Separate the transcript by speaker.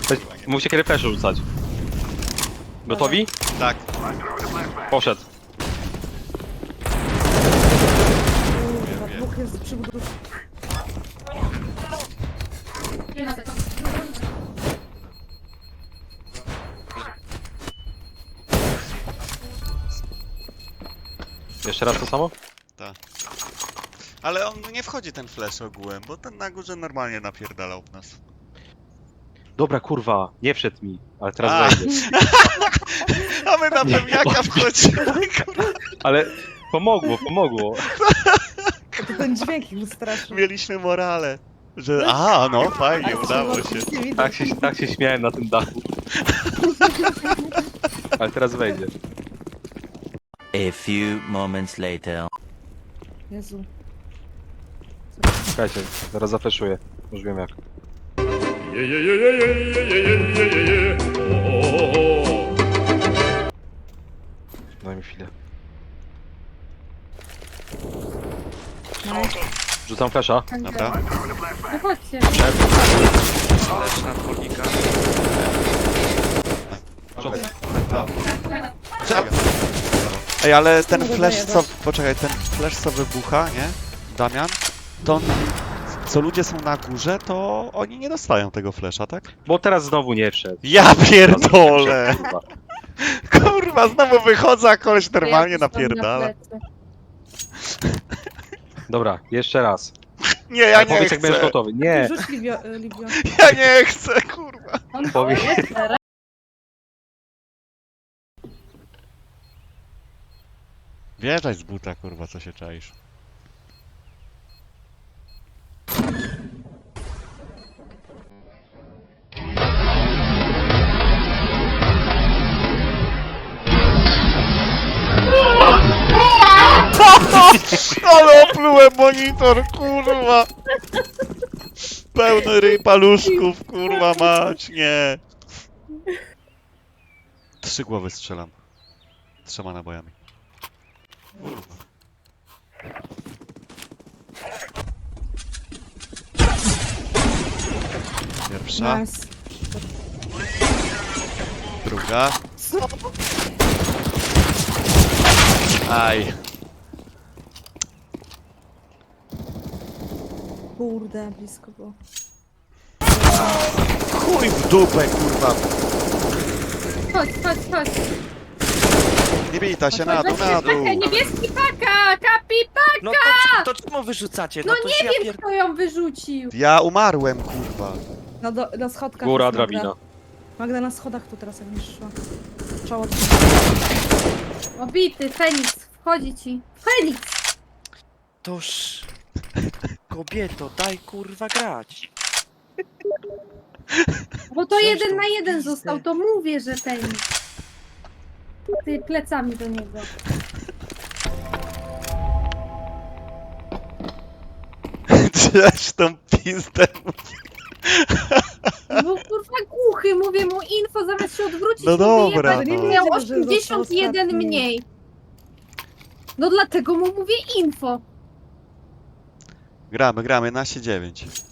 Speaker 1: Musicie kiedy flesze rzucać. Gotowi?
Speaker 2: Tak.
Speaker 1: Poszedł.
Speaker 3: Kurwa, dwóch jest przy budowaniu.
Speaker 1: Jeszcze raz to samo?
Speaker 2: Tak. Ale on nie wchodzi ten flash ogółem, bo ten na górze normalnie napierdalał w nas.
Speaker 1: Dobra, kurwa, nie wszedł mi, ale
Speaker 2: A.
Speaker 1: teraz wejdzie.
Speaker 2: A my na pewniaka wchodzimy.
Speaker 1: Ale pomogło.
Speaker 3: To ten dźwięk ich straszny.
Speaker 2: Mieliśmy morale. Że a, no fajnie, udało się.
Speaker 1: Tak się śmiałem na tym dachu. Ale teraz wejdzie.
Speaker 4: A few moments later.
Speaker 3: Jezu.
Speaker 1: Czekajcie, zaraz zafleszuję. Już wiem jak. Daj mi chwilę. Rzucam flesza.
Speaker 2: Dobra.
Speaker 5: No chodźcie.
Speaker 6: Lecz na dwórnika.
Speaker 2: Ej, ale ten
Speaker 3: mogę
Speaker 2: flash co...
Speaker 3: dojechać.
Speaker 2: Poczekaj, ten flash co wybucha, nie? Damian? To on... Co ludzie są na górze, to oni nie dostają tego flasha, tak?
Speaker 1: Bo teraz znowu nie wszedł.
Speaker 2: Ja pierdolę!
Speaker 1: Kurwa.
Speaker 2: Kurwa, znowu wychodzę, a koleś normalnie
Speaker 5: Ja coś tam
Speaker 2: napierdala.
Speaker 5: na plecy.
Speaker 1: Dobra, jeszcze raz.
Speaker 2: Nie, ja
Speaker 1: Ale
Speaker 2: nie
Speaker 1: powiedz jak będziesz
Speaker 2: chcę.
Speaker 1: gotowy. Nie!
Speaker 3: Rzuć Livio.
Speaker 2: Ja nie chcę, kurwa.
Speaker 5: On
Speaker 1: Powiedz.
Speaker 2: Wjeżdżaj z buta, kurwa, co się czaisz. Ale oplułem monitor, kurwa! Pełny ryj paluszków, kurwa mać, nie! 3 głowy strzelam. 3 nabojami. Pierwsza,
Speaker 3: Nice.
Speaker 2: druga.
Speaker 3: Co?
Speaker 2: Aj.
Speaker 3: Kurde, blisko było.
Speaker 2: Chuj w dupę, kurwa.
Speaker 5: Chodź.
Speaker 2: Nie bij ta się na dół, na dół.
Speaker 5: Paka, niebieski paka! Kapi
Speaker 6: No to czemu wyrzucacie?
Speaker 5: No
Speaker 6: to
Speaker 5: nie wiem, kto ją wyrzucił.
Speaker 2: Ja umarłem, kurwa.
Speaker 3: Na schodkach.
Speaker 1: Góra,
Speaker 3: jest Magda.
Speaker 1: drabina.
Speaker 3: Magda na schodach tu teraz jak będziesz szła. Czoło.
Speaker 5: Obity, Feniks, wchodzi ci. Feniks!
Speaker 6: Toż... Kobieto, daj kurwa grać.
Speaker 5: Bo to
Speaker 6: Coś
Speaker 5: 1
Speaker 6: tą
Speaker 5: na 1
Speaker 6: pizdę.
Speaker 5: został, to mówię, że Feniks. Ty plecami do niego.
Speaker 2: Cześć tą pizdę.
Speaker 5: Bo kurwa głuchy, mówię mu info, zamiast się odwrócić,
Speaker 2: No
Speaker 5: mu
Speaker 2: dobra,
Speaker 5: wyjebać,
Speaker 2: no.
Speaker 5: miał
Speaker 3: Wiedział, że został
Speaker 5: 81
Speaker 3: ostatni.
Speaker 5: mniej. No dlatego mu mówię info.
Speaker 2: Gramy, 11-9.